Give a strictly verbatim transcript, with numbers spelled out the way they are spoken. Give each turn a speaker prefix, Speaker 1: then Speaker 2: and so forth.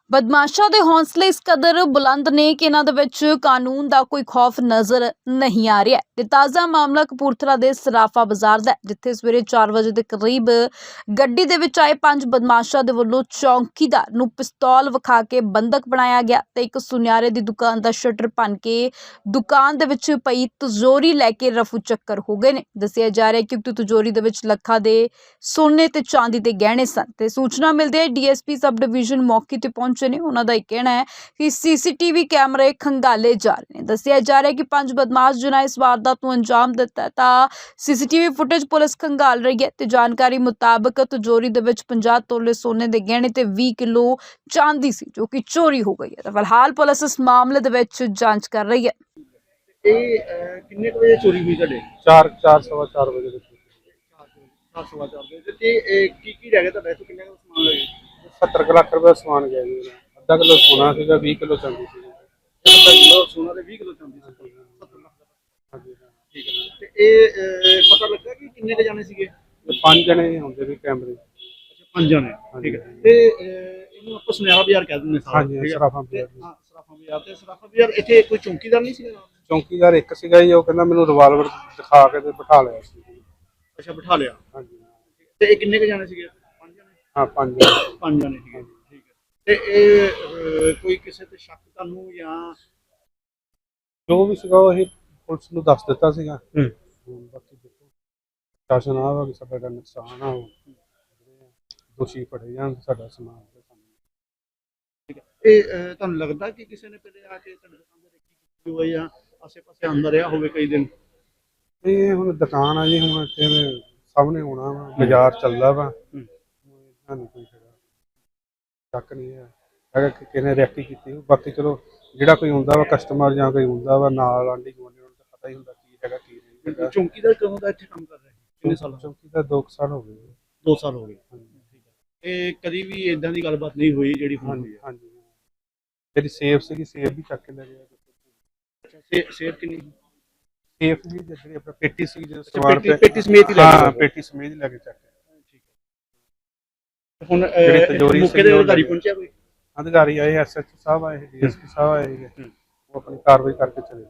Speaker 1: ਬਦਮਾਸ਼ਾਂ ਦੇ ਹੌਸਲੇ ਇਸ ਕਦਰ ਬੁਲੰਦ ਨੇ ਕਿ ਇਹਨਾਂ ਦੇ ਵਿੱਚ ਕਾਨੂੰਨ ਦਾ ਕੋਈ ਖੌਫ ਨਜ਼ਰ ਨਹੀਂ ਆ ਰਿਹਾ ਤੇ ਤਾਜ਼ਾ ਮਾਮਲਾ ਕਪੂਰਥਲਾ ਦੇ ਸਰਾਫਾ ਬਾਜ਼ਾਰ ਦਾ ਹੈ, ਜਿੱਥੇ ਸਵੇਰੇ ਚਾਰ ਵਜੇ ਦੇ ਕਰੀਬ ਗੱਡੀ ਦੇ ਵਿੱਚ ਆਏ ਪੰਜ ਬਦਮਾਸ਼ਾਂ ਦੇ ਵੱਲੋਂ ਚੌਂਕੀਦਾਰ ਨੂੰ ਪਿਸਤੌਲ ਵਿਖਾ ਕੇ ਬੰਦਕ ਬਣਾਇਆ ਗਿਆ ਤੇ ਇੱਕ ਸੁਨਿਆਰੇ ਦੀ ਦੁਕਾਨ ਦਾ ਸ਼ਟਰ ਭੰਨ ਕੇ ਦੁਕਾਨ ਦੇ ਵਿੱਚ ਪਈ ਤਿਜੋਰੀ ਲੈ ਕੇ ਰਫੂ ਚੱਕਰ ਹੋ ਗਏ ਨੇ। ਦੱਸਿਆ ਜਾ ਰਿਹਾ ਹੈ ਕਿ ਉਕਤ ਤਿਜੋਰੀ ਦੇ ਵਿੱਚ ਲੱਖਾਂ ਦੇ ਸੋਨੇ ਤੇ ਚਾਂਦੀ ਦੇ ਗਹਿਣੇ ਸਨ ਤੇ ਸੂਚਨਾ ਮਿਲਦੇ ਹੀ ਡੀਐਸਪੀ ਸਬ ਡਿਵੀਜ਼ਨ ਮੌਕੇ ਤੇ ਪਹੁੰਚੇ ਨੇ। ਉਹਨਾਂ ਦਾ ਇਹ ਕਹਿਣਾ ਹੈ ਕਿ ਸੀਸੀਟੀਵੀ ਕੈਮਰੇ ਖੰਗਾਲੇ ਜਾ ਰਹੇ ਨੇ। ਦੱਸਿਆ ਜਾ ਰਿਹਾ ਹੈ ਕਿ ਪੰਜ ਬਦਮਾਸ਼ ਜਿਨ੍ਹਾਂ ਇਸ ਵਾਰਦਾਤ ਨੂੰ ਅੰਜਾਮ ਦਿੱਤਾ ਤਾਂ ਸੀਸੀਟੀਵੀ ਫੁਟੇਜ ਪੁਲਿਸ ਖੰਗਾਲ ਰਹੀ ਹੈ ਤੇ ਜਾਣਕਾਰੀ ਮੁਤਾਬਕ ਤਿਜੋਰੀ ਦੇ ਵਿੱਚ ਪੰਜਾਹ ਤੋਲੇ ਸੋਨੇ ਦੇ ਗਹਿਣੇ ਤੇ ਵੀਹ ਕਿਲੋ ਚਾਂਦੀ ਸੀ ਜੋ ਕਿ ਚੋਰੀ ਹੋ ਗਈ ਹੈ। ਤਾਂ ਫਿਲਹਾਲ ਪੁਲਿਸ ਇਸ ਮਾਮਲੇ ਦੇ ਵਿੱਚ ਜਾਂਚ ਕਰ ਰਹੀ ਹੈ।
Speaker 2: ਇਹ ਕਿੰਨੇ ਕੁ ਵਜੇ ਚੋਰੀ ਹੋਈ ਤੁਹਾਡੇ?
Speaker 3: ਚਾਰ ਚਾਰ ਸਵਾ ਚਾਰ ਵਜੇ ਦੇ
Speaker 2: ਚਾਰ ਸਵਾ ਚਾਰ ਵਜੇ ਤੇ ਇਹ ਕੀ ਕੀ ਰਹਿ ਗਿਆ ਤੁਹਾਡਾ? ਇੱਥੋਂ ਕਿੰਨੇ ਕੁ ਸਮਾਨ ਲੱਗੇ?
Speaker 3: ਸੱਤਰ ਕੁ ਲੱਖ ਰੁਪਏ ਦਾ ਸਮਾਨ ਗਿਆ ਜੀ। ਅੱਧਾ ਕਿਲੋ ਸੋਨਾ ਸੀਗਾ, ਵੀਹ ਕਿਲੋ ਚਾਂਦੀ ਸੀ।
Speaker 2: ਅੱਧਾ ਕਿਲੋ ਸੋਨਾ ਤੇ ਵੀਹ ਕਿਲੋ ਚਾਂਦੀ ਸੀ। ਸੱਤਰ ਲੱਖ ਦਾ।
Speaker 3: ਹਾਂਜੀ ਹਾਂ।
Speaker 2: ਠੀਕ ਹੈ। ਤੇ ਇਹ ਅਹ, ਪਤਾ ਲੱਗਾ ਕਿ ਕਿੰਨੇ ਕੁ ਜਾਣੇ ਸੀਗੇ?
Speaker 3: ਤੇ ਪੰਜ ਜਣੇ ਹੁੰਦੇ ਵੀ ਕੈਮਰੇ।
Speaker 2: ਅੱਛਾ, ਪੰਜ ਜਾਣੇ। ਠੀਕ ਹੈ। ਤੇ ਅਹ, ਇਹਨੂੰ ਆਪਾਂ ਸੁਨਿਆਰਾ ਬਾਜ਼ਾਰ ਕਹਿ ਦਿੰਦੇ ਸਾਰਾ।
Speaker 3: ਹਾਂਜੀ,
Speaker 2: ਠੀਕ ਹੈ।
Speaker 3: ਸਰਾਫਾ
Speaker 2: ਤੇ
Speaker 3: ਬਾਜ਼ਾਰ।
Speaker 2: ਹਾਂ, ਸਰਾਫਾ ਬਾਜ਼ਾਰ ਤੇ ਸਰਾਫਾ ਬਾਜ਼ਾਰ ਇੱਥੇ ਕੋਈ ਚੌਂਕੀਦਾਰ ਨਹੀਂ ਸੀਗਾ ਨਾਲ?
Speaker 3: ਚੌਂਕੀਦਾਰ ਇੱਕ ਸੀਗਾ ਜੀ, ਉਹ ਕਹਿੰਦਾ ਮੈਨੂੰ ਰਿਵਾਲਵਰ ਦਿਖਾ ਕੇ ਤੇ ਬਿਠਾ ਲਿਆ ਸੀ।
Speaker 2: ਅੱਛਾ, ਬਿਠਾ ਲਿਆ।
Speaker 3: ਹਾਂਜੀ
Speaker 2: ਤੇ ਇਹ ਕਿੰਨੇ ਕੁ ਜਾਣੇ ਸੀਗੇ? ਪੰਜ ਜਾਣੇ।
Speaker 3: ਹਾਂ, ਪੰਜ ਜਣੇ।
Speaker 2: ਪੰਜ ਜਾਣੇ ਸੀਗੇ। ਠੀਕ ਹੈ। ਤੇ ਇਹ ਅਹ, ਕੋਈ ਕਿਸੇ ਤੇ ਸ਼ੱਕ ਤੁਹਾਨੂੰ ਜਾਂ
Speaker 3: ਜੋ ਵੀ ਸੀਗਾ ਉਹ ਅਸੀਂ ਪੁਲਿਸ ਨੂੰ ਦੱਸ ਦਿੱਤਾ ਸੀਗਾ।
Speaker 2: ਹੂੰ।
Speaker 3: ਹੁਣ ਬਾਕੀ ਦੇਖੋ ਸ਼ਾਸਨ ਆ ਵਾ ਕਿ ਸਾਡਾ ਜਿਹੜਾ ਨੁਕਸਾਨ ਆ ਉਹ ਦੋਸ਼ੀ ਫੜੇ ਜਾਣ, ਸਾਡਾ ਸਮਾਨ ਤੇ ਸਾਨੂੰ।
Speaker 2: ਠੀਕ ਹੈ। ਇਹ ਅਹ, ਤੁਹਾਨੂੰ ਲੱਗਦਾ ਕਿ ਕਿਸੇ ਨੇ ਪਹਿਲੇ ਆ ਕੇ ਤੁਹਾਡੇ ਦੁਕਾਨ ਤੇ ਰੇਕੀ ਕੀਤੀ ਹੋਵੇ ਜਾਂ ਆਸੇ-ਪਾਸੇ ਅੰਦਰ ਰਿਹਾ ਹੋਵੇ ਕਈ ਦਿਨ?
Speaker 3: ਇਹ ਹੁਣ ਦੁਕਾਨ ਆ ਜੀ, ਹੁਣ ਇੱਥੇ ਸਾਹਮਣੇ ਹੋਣਾ ਵਾ, ਬਾਜ਼ਾਰ ਚੱਲਦਾ ਵਾ। ਸਾਨੂੰ ਕੋਈ ਸ਼ੱਕ ਨਹੀਂ ਹੈ ਹੈਗਾ ਕਿ ਕਿਸੇ ਨੇ ਰੈਕੀ ਕੀਤੀ ਹੋਊ। ਬਾਕੀ ਚਲੋ ਜਿਹੜਾ ਕੋਈ ਹੁੰਦਾ ਵਾ ਕਸਟਮਰ ਜਾਂ ਕੋਈ ਹੁੰਦਾ ਵਾ ਨਾਲ ਆਂਢੀ ਗੁਆਂਢੀ, ਉਹਨਾਂ ਨੂੰ ਤਾਂ ਪਤਾ ਹੀ ਹੁੰਦਾ ਕੀ ਹੈਗਾ ਕੀ ਨਹੀਂ ਹੈਗਾ।
Speaker 2: ਚੌਂਕੀਦਾਰ ਕਦੋਂ ਦਾ ਇੱਥੇ ਕੰਮ ਕਰ ਰਿਹਾ? ਕਿੰਨੇ ਸਾਲ?
Speaker 3: ਚੌਂਕੀ ਦਾ ਦੋ ਕੁ ਸਾਲ ਹੋ ਗਏ ਜੀ।
Speaker 2: ਦੋ ਸਾਲ ਹੋ ਗਏ।
Speaker 3: ਹਾਂਜੀ
Speaker 2: ਠੀਕ ਹੈ। ਇਹ ਕਦੀ ਵੀ ਇਦਾਂ ਦੀ ਗੱਲਬਾਤ ਨਹੀਂ ਹੋਈ ਜਿਹੜੀ ਹੁਣ ਹੋਈ
Speaker 3: ਹਾਂਜੀ
Speaker 2: ਹੈ?
Speaker 3: ਹਾਂਜੀ। ਜਿਹੜੀ ਸੇਫ ਸੀਗੀ, ਸੇਫ ਵੀ ਚੱਕ ਕੇ ਲੈ ਗਏ।
Speaker 2: ਅੱਛਾ, ਸੇ ਸੇਫ ਕਿੰਨੀ?
Speaker 3: ਸੇਫ ਵੀ ਜਿਹੜੀ ਆਪਣਾ ਪੇਟੀ ਸੀ ਜਦੋਂ
Speaker 2: ਅੱਛਾ,
Speaker 3: ਸਮਾਨ
Speaker 2: ਪੇਟੀ ਪੇਟੀ ਸਮੇਤ ਹੀ ਲੈ
Speaker 3: ਹਾਂ,
Speaker 2: ਗਏ?
Speaker 3: ਪੇਟੀ ਸਮੇਤ ਹੀ ਲੈ ਕੇ ਚੱਕ ਕੇ।
Speaker 2: ਠੀਕ ਹੈ। ਹੁਣ
Speaker 3: ਜਿਹੜੀ
Speaker 2: ਅਹ,
Speaker 3: ਤਿਜੋਰੀ
Speaker 2: ਮੌਕੇ
Speaker 3: ਸੀਗੀ
Speaker 2: ਦੇ
Speaker 3: ਉਹ
Speaker 2: ਅਧਿਕਾਰੀ
Speaker 3: ਲੈ ਗਏ।
Speaker 2: ਪਹੁੰਚਿਆ ਕੋਈ?
Speaker 3: ਅਧਿਕਾਰੀ ਆਏ, ਐਸਐਚਓ ਸਾਹਿਬ ਆਏ, ਡੀਐਸਪੀ ਸਾਹਿਬ ਆਏ, ਉਹ ਆਪਣੀ ਕਾਰਵਾਈ ਕਰਕੇ ਚਲੇ ਗਏ।